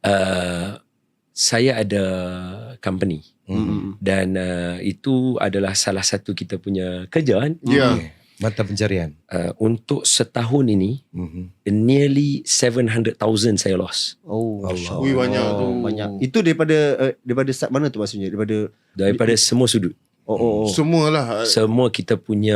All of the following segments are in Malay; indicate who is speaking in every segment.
Speaker 1: Saya ada company dan itu adalah salah satu kita punya kerja kan.
Speaker 2: Mata pencarian.
Speaker 1: Untuk setahun ini nearly 700,000 saya lost.
Speaker 2: Allah.
Speaker 3: Ui, banyak tu.
Speaker 4: Banyak. Itu daripada start mana tu maksudnya?
Speaker 1: Daripada semua sudut.
Speaker 3: Semualah.
Speaker 1: Semua kita punya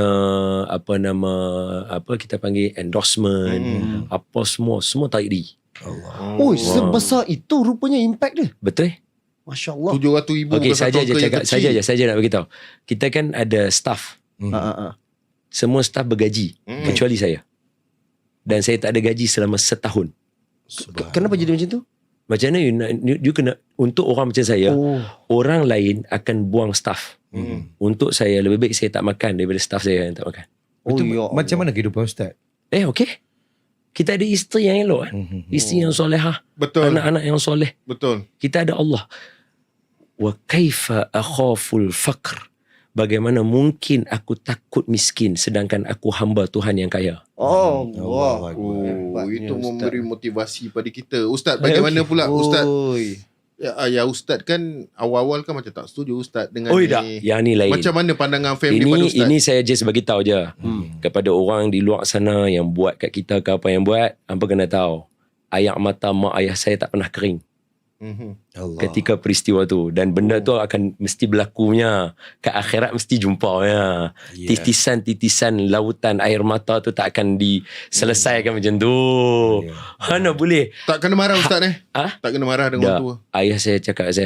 Speaker 1: kita panggil endorsement, apa semua tarik diri.
Speaker 4: Sebesar itu rupanya impact dia.
Speaker 1: Betul?
Speaker 4: Masya Allah.
Speaker 3: 700,000
Speaker 1: Okey,
Speaker 3: bukan
Speaker 1: saja
Speaker 3: satu
Speaker 1: je
Speaker 3: angka yang
Speaker 1: cakap,
Speaker 3: kecil.
Speaker 1: saja nak beritahu. Kita kan ada staff. Semua staff bergaji kecuali saya. Dan saya tak ada gaji selama setahun.
Speaker 4: Kenapa jadi macam tu?
Speaker 1: Macam mana you kena, untuk orang macam saya, orang lain akan buang staff. Untuk saya, lebih baik saya tak makan daripada staff saya yang tak makan.
Speaker 2: Macam mana kehidupan Ustaz?
Speaker 1: Okey. Kita ada isteri yang elok kan? Isteri yang solehah.
Speaker 3: Betul.
Speaker 1: Anak-anak yang soleh.
Speaker 3: Betul.
Speaker 1: Kita ada Allah. Wa kaifa akhaful faqr. Bagaimana mungkin aku takut miskin sedangkan aku hamba Tuhan yang kaya.
Speaker 4: Allah.
Speaker 3: Itu memberi motivasi pada kita. Ustaz, bagaimana pula Ustaz? Ya Ustaz kan awal-awal kan macam tak setuju Ustaz dengan
Speaker 1: Tak. Yang ni lain.
Speaker 3: Macam mana pandangan family pada Ustaz?
Speaker 1: Ini saya just bagi tahu je kepada orang di luar sana yang buat kat kita ke apa yang buat, hampa kena tahu. Air mata mak ayah saya tak pernah kering ketika peristiwa tu, dan benda tu akan mesti berlakunya ke akhirat, mesti jumpanya. Titisan-titisan lautan air mata tu tak akan diselesaikan macam tu. Mana boleh.
Speaker 3: Tak kena marah Ustaz Tak kena marah dengan orang tua.
Speaker 1: Ayah saya cakap,